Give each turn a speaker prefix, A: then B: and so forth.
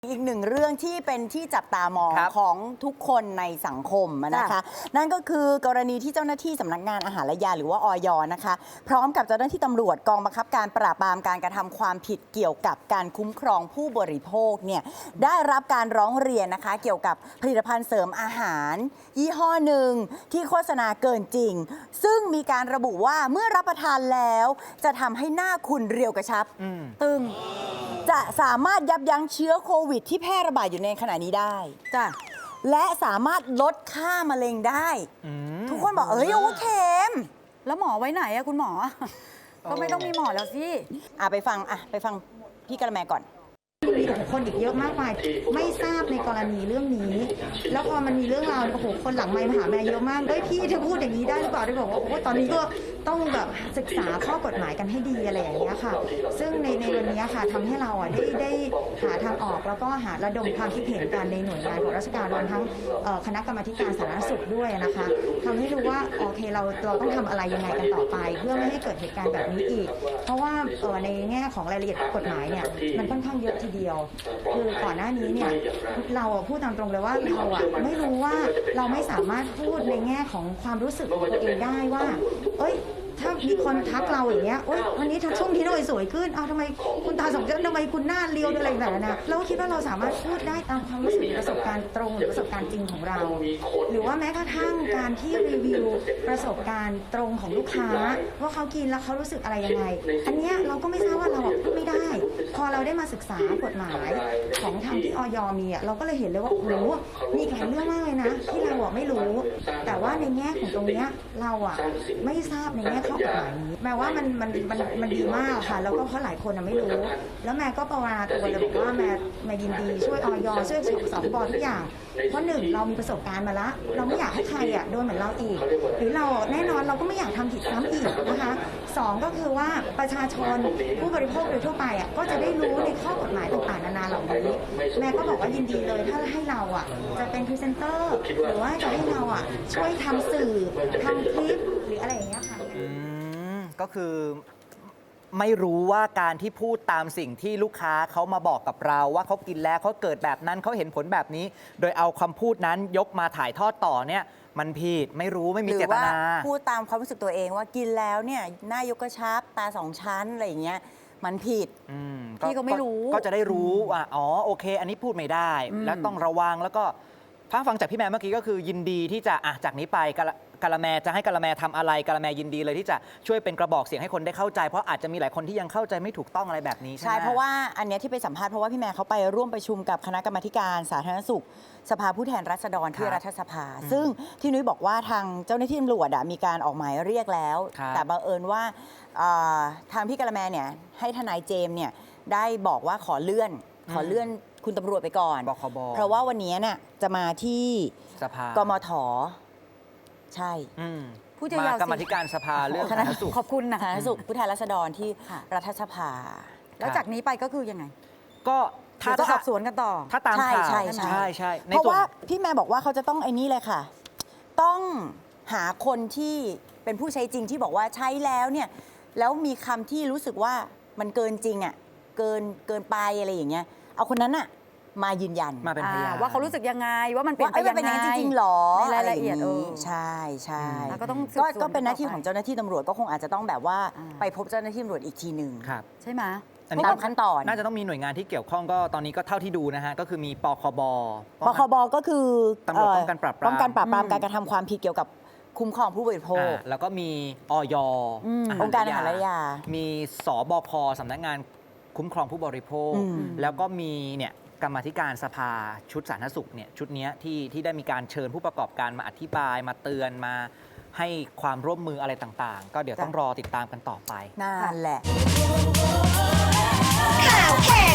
A: อีกหนึ่งเรื่องที่เป็นที่จับตามอง
B: ครับ
A: ของทุกคนในสังคมนะคะนั่นก็คือกรณีที่เจ้าหน้าที่สำนักงานอาหารและยาหรือว่าอย.นะคะพร้อมกับเจ้าหน้าที่ตำรวจกองบังคับการปราบปรามการกระทำความผิดเกี่ยวกับการคุ้มครองผู้บริโภคเนี่ยได้รับการร้องเรียนนะคะเกี่ยวกับผลิตภัณฑ์เสริมอาหารยี่ห้อหนึ่งที่โฆษณาเกินจริงซึ่งมีการระบุว่าเมื่อรับประทานแล้วจะทำให้หน้าคุณเรียวกระชับตึงจะสามารถยับยั้งเชื้อโควิดที่แพร่ระบาดอยู่ในขณะนี้ได้จ้ะและสามารถลดค่ามะเร็งได้ทุกคนบอกโอเคม
C: แล้วหมอไว้ไหนอะคุณหมอ ก็ไม่ต้องมีหมอแล้วสิ
A: ไปฟังพี่กระแมก่อน
D: มีคนอีกเยอะมากมายไม่ทราบในกรณีเรื่องนี้ แล้วพอมันมีเรื่องราวโอ้โหคนหลังไมค์มาหาแม่เยอะมากพี่เธอพูดอย่างนี้ได้หรือเปล่าได้บอกว่าโอ้ตอนนี้ก็ต้องแบบศึกษาข้อกฎหมายกันให้ดีอะไรอย่างเงี้ยค่ะซึ่งในวันนี้ค่ะทำให้เราได้หาทางออกแล้วก็หาระดมความคิดเห็นกันในหน่วยงานของราชการรวมทั้งคณะกรรมาการสาธารณสุขด้วยนะคะทำให้รู้ว่าโอเคเราต้องทำอะไรยังไงกันต่อไป เพื่อไม่ให้เกิดเหตุการณ์แบบนี้อีกเพราะว่าในแง่ของรายละเอียดกฎหมายเนี่ยมันค่อนข้างเยอะทีเดียวคือก่อนหน้านี้เนี่ยเราพูดตามตรงเลยว่าเราไม่รู้ว่าเราไม่สามารถพูดในแง่ของความรู้สึกของตัวเองได้ว่าถ้ามีคนทักเราอย่างเงี้ยวันนี้ช่วงที่เราสวยขึ้นทำไมคุณตาสองเจ้าทำไมคุณหน้าเรียวอะไรแบบนั้นนะเราคิดว่าเราสามารถพูดได้ตามความรู้สึกประสบการณ์ตรงหรือประสบการณ์จริงของเราหรือว่าแม้กระทั่งการที่รีวิวประสบการณ์ตรงของลูกค้าว่าเขากินแล้วเขารู้สึกอะไรยังไงอันเนี้ยเราก็ไม่ทราบว่าเราพูดไม่ได้พอเราได้มาศึกษากฎหมายของทางที่อย.มีเราก็เลยเห็นเลยว่าโอ้โหมีหลายเรื่องมากเลยนะที่เราไม่รู้แต่ว่าในแง่ของตรงเนี้ยเราไม่ทราบในแง่ข้อกฎหมายนี้แม้ว่ามันดีมากค่ะแล้วก็เพราะหลายคนไม่รู้แล้วแม่ก็ประวาตัวเลยบอกว่าแม่ยินดีช่วยอย.ช่วยสบทุกอย่างเพราะหนึ่งเรามีประสบการณ์มาแล้วเราไม่อยากให้ใครโดนเหมือนเราอีกหรือเราแน่นอนเราก็ไม่อยากทำผิดซ้ำอีกนะคะสองก็คือว่าประชาชนผู้บริโภคโดยทั่วไปก็จะได้รู้ในข้อกฎหมายต่างๆนานาเหล่านี้แม่ก็บอกว่ายินดีเลยถ้าให้เราจะเป็นพรีเซนเตอร์หรือว่าจะให้เราช่วยทำสื่อทำคลิปหรืออะไรอย่างเงี้ยค่ะ
B: ก็คือไม่รู้ว่าการที่พูดตามสิ่งที่ลูกค้าเขามาบอกกับเราว่าเขากินแล้วเขาเกิดแบบนั้นเขาเห็นผลแบบนี้โดยเอาคำพูดนั้นยกมาถ่ายทอดต่อเนี่ยมันผิดไม่รู้ไม่มีเจตนา
A: หรือว่าพูดตามความรู้สึกตัวเองว่ากินแล้วเนี่ยหน้ายกกระชับตาสองชั้นอะไรอย่างเงี้ยมันผิด
C: พี่ก็ไม่รู้
B: ก็จะได้รู้ว่าโอเคอันนี้พูดไม่ได้แล้วต้องระวังแล้วก็ฟังจากพี่แม่เมื่อกี้ก็คือยินดีที่จะจากนี้ไปกะละแมจะให้กะละแมทำอะไรกะละแมยินดีเลยที่จะช่วยเป็นกระบอกเสียงให้คนได้เข้าใจเพราะอาจจะมีหลายคนที่ยังเข้าใจไม่ถูกต้องอะไรแบบนี้ใช่ไหม
A: ใช่เพราะว่าอันนี้ที่ไปสัมภาษณ์เพราะว่าพี่แม่เขาไปร่วมประชุมกับคณะกรรมาการสาธารณสุขสภาผู้แทนราษฎรที่รัฐสภาซึ่งที่นุ้ยบอกว่าทางเจ้าหน้าที่ตำรวจมีการออกหมายเรียกแล้วแต่บังเอิญว่าทางพี่กะละแมเนี่ยให้ทนายเจมส์เนี่ยได้บอกว่าขอเลื่อนคุณตำรวจไปก่อน
B: บคบ
A: เพราะว่าวันนี้เนี่ยจะมาที่
B: สภาก
A: มท.ใช่
C: ผู้จะยาว
B: กรรมธิการสภาเรื่องสาธารณสุข
C: ขอบคุณนะ
A: สาธารณสุขผู้แทนราษฎรที่รัฐสภา
C: แล้วจากนี้ไปก็คือยังไง
B: ก็
C: ถ้าสอบสวนกันต่อ
B: ถ้าตามข่าว
A: ใช่เพราะว่าพี่แม่บอกว่าเขาจะต้องไอ้นี่เลยค่ะต้องหาคนที่เป็นผู้ใช้จริงที่บอกว่าใช้แล้วเนี่ยแล้วมีคำที่รู้สึกว่ามันเกินจริงเกินไปอะไรอย่างเงี้ยเอาคนนั้นมายืนยัน
B: มาเป็นพยาน
C: ว่าเขารู้สึกยังไงว่ามันเป็นไป
A: ยังไงจริงๆหรอ
C: ในรายละเอียด
A: ใช่
C: ก็
A: เป็นหน้าที่ของเจ้าหน้าที่ตำรวจก็คงอาจจะต้องแบบว่าไปพบเจ้าหน้าที่ตำรวจอีกทีหนึ่ง
C: ใช่ไหม
A: ตามขั้นตอน
B: น่าจะต้องมีหน่วยงานที่เกี่ยวข้องก็ตอนนี้ก็เท่าที่ดูนะฮะก็คือมีปคบ
A: ก็คือ
B: ตำรวจป้องกันปราบปราม
A: การกระทำความผิดเกี่ยวกับคุ้มครองผู้บริโภค
B: แล้วก็มีอย.
A: องค์การอาหารและยา
B: มีสบคสำนักงานคุ้มครองผู้บริโภคแล้วก็มีเนี่ยกรรมาธิการสภาชุดสาธารณสุขเนี่ยชุดนี้ที่ได้มีการเชิญผู้ประกอบการมาอธิบายมาเตือนมาให้ความร่วมมืออะไรต่างๆก็เดี๋ยวต้องรอติดตามกันต่อไป
A: นั่นแหละ
E: ข่าวแค่